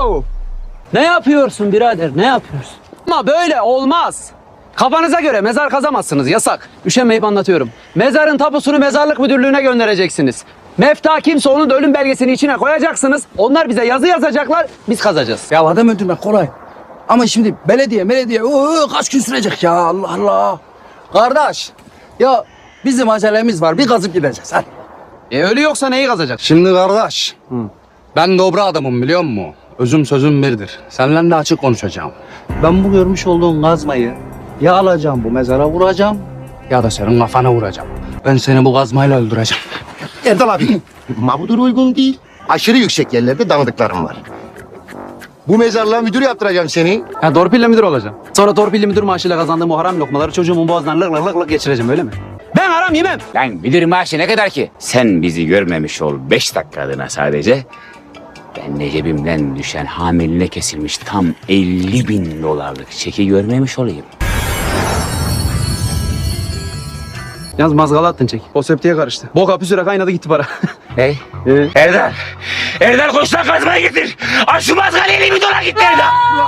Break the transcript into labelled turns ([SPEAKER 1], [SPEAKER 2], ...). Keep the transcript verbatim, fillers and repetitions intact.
[SPEAKER 1] Abo! Ne yapıyorsun birader, ne yapıyorsun? Ama böyle olmaz. Kafanıza göre mezar kazamazsınız, yasak. Üşenmeyip anlatıyorum. Mezarın tapusunu mezarlık müdürlüğüne göndereceksiniz. Mefta kimse onun da ölüm belgesini içine koyacaksınız. Onlar bize yazı yazacaklar, biz kazacağız.
[SPEAKER 2] Ya adam öldürmek kolay. Ama şimdi belediye, belediye oo, kaç gün sürecek ya Allah Allah. Kardeş ya bizim acelemiz var bir kazıp gideceğiz hadi.
[SPEAKER 1] E ölü yoksa neyi kazacak?
[SPEAKER 2] Şimdi kardeş ben dobra adamım biliyor musun? Özüm sözüm birdir. Seninle de açık konuşacağım. Ben bu görmüş olduğun kazmayı ya alacağım bu mezara vuracağım ya da senin kafana vuracağım. Ben seni bu kazmayla öldüreceğim.
[SPEAKER 3] Erdal abi, mabudur uygun değil. Aşırı yüksek yerlerde tanıdıklarım var. Bu mezarlığa müdür yaptıracağım seni.
[SPEAKER 1] Ha, torpille müdür olacağım. Sonra torpilli müdür maaşıyla kazandığım o haram lokmaları çocuğumun boğazından lık lık lık lık geçireceğim öyle mi? Ben haram yemem.
[SPEAKER 4] Lan müdür maaşı ne kadar ki? Sen bizi görmemiş ol beş dakikalığına sadece. Ben de cebimden düşen hamiline kesilmiş tam elli bin dolarlık çeki görmemiş olayım.
[SPEAKER 1] Yalnız mazgala attın çek. O septiye karıştı. Boka püsüre kaynadı gitti para.
[SPEAKER 4] Hey. Erdal. Erdal koş lan kazmayı getir. Aç şu mazgalı elli bin dolar gitti Erdal.